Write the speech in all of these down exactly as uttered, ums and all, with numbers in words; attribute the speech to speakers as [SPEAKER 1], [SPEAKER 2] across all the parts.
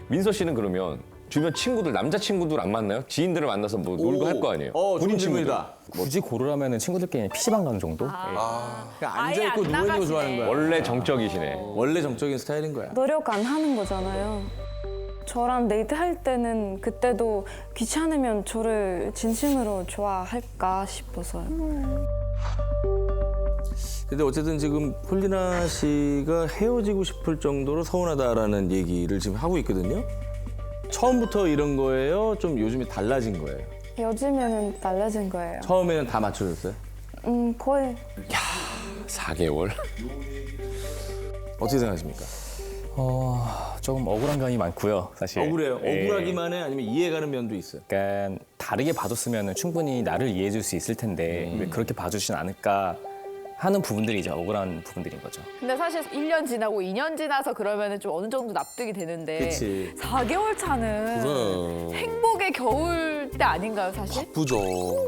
[SPEAKER 1] 민서 씨는 그러면 주변 친구들, 남자 친구들 안 만나요? 지인들을 만나서 뭐 놀고 할 거 아니에요?
[SPEAKER 2] 어,
[SPEAKER 1] 본인
[SPEAKER 2] 좋은 질문이다.
[SPEAKER 3] 굳이 고르라면 친구들끼리 피시방 가는 정도?
[SPEAKER 2] 그냥
[SPEAKER 4] 아예
[SPEAKER 2] 앉아있고
[SPEAKER 4] 안
[SPEAKER 2] 누워있는 거
[SPEAKER 4] 나가시네.
[SPEAKER 2] 좋아하는 거야.
[SPEAKER 1] 원래 정적이시네.
[SPEAKER 2] 원래 정적인 스타일인 거야.
[SPEAKER 5] 노력 안 하는 거잖아요. 저랑 데이트할 때는 그때도 귀찮으면 저를 진심으로 좋아할까 싶어서요.
[SPEAKER 2] 근데 어쨌든 지금 폴리나 씨가 헤어지고 싶을 정도로 서운하다라는 얘기를 지금 하고 있거든요. 처음부터 이런 거예요? 좀 요즘에 달라진 거예요?
[SPEAKER 5] 요즘에는 달라진 거예요.
[SPEAKER 2] 처음에는 다 맞춰줬어요?
[SPEAKER 5] 음, 거의
[SPEAKER 1] 사 개월?
[SPEAKER 2] 어떻게 생각하십니까?
[SPEAKER 3] 어, 조금 억울한 감이 많고요, 사실.
[SPEAKER 2] 억울해요?
[SPEAKER 3] 예.
[SPEAKER 2] 억울하기만 해? 아니면 이해가는 면도 있어요?
[SPEAKER 3] 약간 다르게 봐줬으면 충분히 나를 이해해줄 수 있을 텐데 왜 그렇게 봐주진 않을까 하는 부분들이 이제 억울한 부분들인 거죠.
[SPEAKER 4] 근데 사실 일 년 지나고 이 년 지나서 그러면은 좀 어느 정도 납득이 되는데
[SPEAKER 2] 그치.
[SPEAKER 4] 사 개월 차는
[SPEAKER 6] 그래.
[SPEAKER 4] 행복의 겨울 때 아닌가요, 사실?
[SPEAKER 6] 바쁘죠.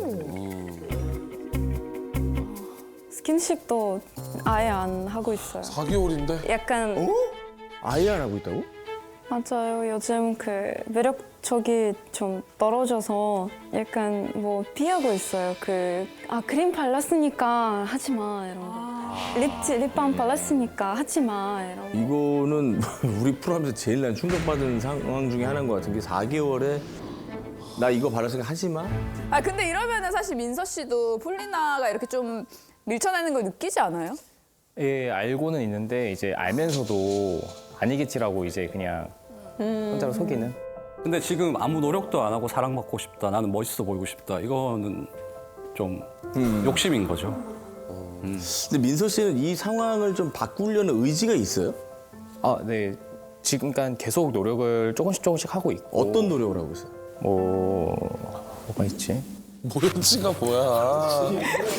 [SPEAKER 5] 스킨십도 아예 안 하고 있어요.
[SPEAKER 6] 사 개월인데?
[SPEAKER 5] 약간
[SPEAKER 2] 아예 안 하고 있다고?
[SPEAKER 5] 맞아요. 요즘 그 매력적이 좀 떨어져서 약간 뭐 피하고 있어요. 그 아 크림 발랐으니까 하지 마 이런 거. 립 립밤 발랐으니까 하지 마 이런 거.
[SPEAKER 2] 이거는 우리 프로하면서 제일 난 충격받은 상황 중에 하나인 것 같은 게 사 개월에 나 이거 바랐으니까 하지 마?
[SPEAKER 4] 아 근데 이러면은 사실 민서 씨도 폴리나가 이렇게 좀 밀쳐내는 걸 느끼지 않아요?
[SPEAKER 3] 예, 알고는 있는데 이제 알면서도 아니겠지라고 이제 그냥 혼자로 속이는.
[SPEAKER 7] 근데 지금 아무 노력도 안 하고 사랑받고 싶다. 나는 멋있어 보이고 싶다. 이거는 좀 욕심인 거죠.
[SPEAKER 2] 근데 민서 씨는 이 상황을 좀 바꾸려는 의지가 있어요?
[SPEAKER 3] 아, 네. 지금 그러니까 계속 노력을 조금씩 조금씩 하고 있고.
[SPEAKER 2] 어떤 노력을 하고 있어요?
[SPEAKER 3] 뭐 뭐가 있지?
[SPEAKER 6] 모연치가 뭐야.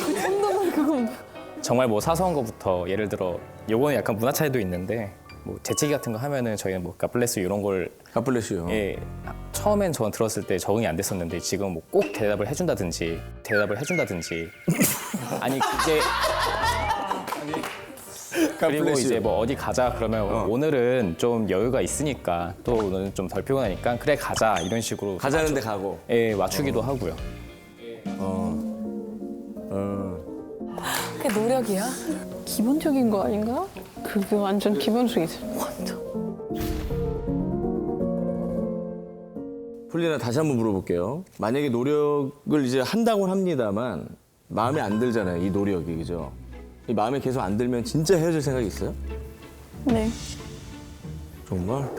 [SPEAKER 3] 정말 뭐 사소한 거부터 예를 들어 요거는 약간 문화 차이도 있는데 뭐 재채기 같은 거 하면은 저희는 뭐 가플레스 이런 걸
[SPEAKER 2] 가플레시요.
[SPEAKER 3] 예, 처음엔 저는 들었을 때 적응이 안 됐었는데 지금 뭐 꼭 대답을 해준다든지 대답을 해준다든지 아니 그게 그리고 이제 뭐 어디 가자 그러면 오늘은 좀 여유가 있으니까 또 오늘은 좀 덜 피곤하니까 그래 가자 이런 식으로
[SPEAKER 2] 가자는 데 가고.
[SPEAKER 3] 예 맞추기도 하고요.
[SPEAKER 8] 그게 노력이야? 기본적인 거 아닌가? 그게 완전 기본적이지. 완전.
[SPEAKER 2] 폴리나 다시 한번 물어볼게요. 만약에 노력을 이제 한다고는 합니다만 마음에 안 들잖아요. 이 노력이 그죠? 이 마음에 계속 안 들면 진짜 헤어질 생각이 있어요?
[SPEAKER 5] 네.
[SPEAKER 2] 정말?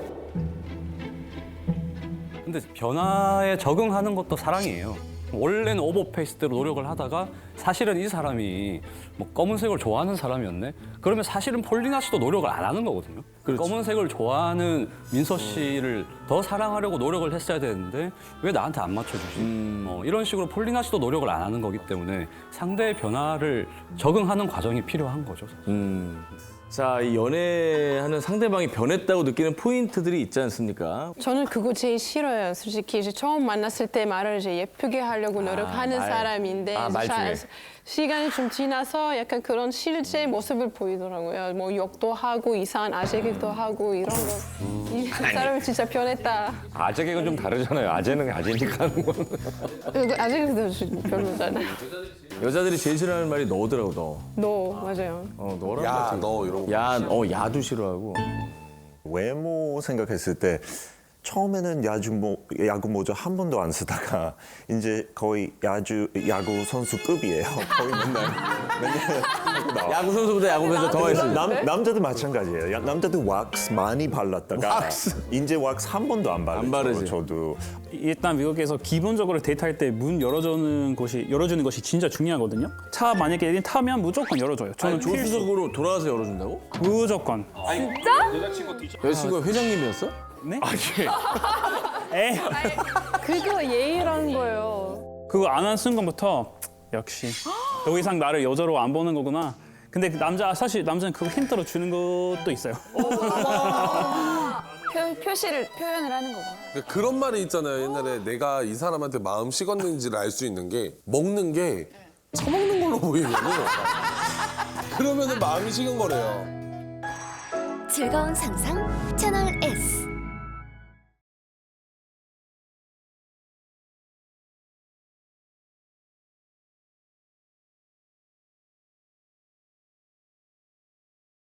[SPEAKER 7] 근데 변화에 적응하는 것도 사랑이에요. 원래는 오버페이스대로 노력을 하다가 사실은 이 사람이 뭐 검은색을 좋아하는 사람이었네? 그러면 사실은 폴리나 씨도 노력을 안 하는 거거든요.
[SPEAKER 2] 그렇지.
[SPEAKER 7] 검은색을 좋아하는 민서 씨를 더 사랑하려고 노력을 했어야 되는데 왜 나한테 안 맞춰주지? 어, 이런 식으로 폴리나 씨도 노력을 안 하는 거기 때문에 상대의 변화를 적응하는 과정이 필요한 거죠.
[SPEAKER 2] 음. 자, 이 연애하는 상대방이 변했다고 느끼는 포인트들이 있지 않습니까?
[SPEAKER 8] 저는 그거 제일 싫어요. 솔직히 이제 처음 만났을 때 말을 이제 예쁘게 하려고 노력하는
[SPEAKER 2] 말.
[SPEAKER 8] 사람인데
[SPEAKER 1] 아, 말 중에.
[SPEAKER 8] 자- 시간이 좀 지나서 약간 그런 실제 모습을 보이더라고요. 뭐 욕도 하고 이상한 아재기도 하고 이런 거. 이 사람이 진짜 변했다.
[SPEAKER 1] 아재 개그는 좀 다르잖아요. 아재는 아재니까 하는 건.
[SPEAKER 8] 아재기도 별로잖아요.
[SPEAKER 2] 여자들이 제일 싫어하는 말이 너더라고, 너.
[SPEAKER 8] 너 맞아요.
[SPEAKER 2] 어, 너랑
[SPEAKER 6] 야,
[SPEAKER 2] 같이.
[SPEAKER 6] 너 이런 거.
[SPEAKER 2] 야, 어, 야도 싫어하고.
[SPEAKER 9] 외모 생각했을 때 처음에는 야구 모, 야구 모자 한 번도 안 쓰다가 이제 거의 야주 야구 선수급이에요. 거의 맨날 맨날 하고 나와.
[SPEAKER 2] 야구 선수보다 야구 선수 더 했어요.
[SPEAKER 9] 남 남자도 마찬가지예요. 야, 남자도 왁스 많이 발랐다가
[SPEAKER 2] 왁스.
[SPEAKER 9] 이제 왁스 한 번도 안 바르죠.
[SPEAKER 2] 안 바르지.
[SPEAKER 9] 저도
[SPEAKER 10] 일단 미국에서 기본적으로 데이트할 때 문 열어주는 것이 열어주는 것이 진짜 중요하거든요. 차 만약에 타면 무조건 열어줘요. 저는
[SPEAKER 2] 아니, 조수석으로 돌아와서 열어준다고?
[SPEAKER 10] 무조건.
[SPEAKER 2] 여자친구가 회장님이었어?
[SPEAKER 10] 네? 에
[SPEAKER 8] 그거 예의라는 거예요.
[SPEAKER 10] 그거 안 한 순간부터 역시 더 이상 나를 여자로 안 보는 거구나. 근데 그 남자 사실 남자는 그거 힌트로 주는 것도 있어요.
[SPEAKER 4] 표, 표시를 표현을 하는 거고.
[SPEAKER 6] 그러니까 그런 말이 있잖아요. 옛날에 내가 이 사람한테 마음 식었는지를 알 수 있는 게 먹는 게 처먹는 걸로 보이면은 그러면은 마음이 식은 거래요.
[SPEAKER 11] 즐거운 상상 채널 S.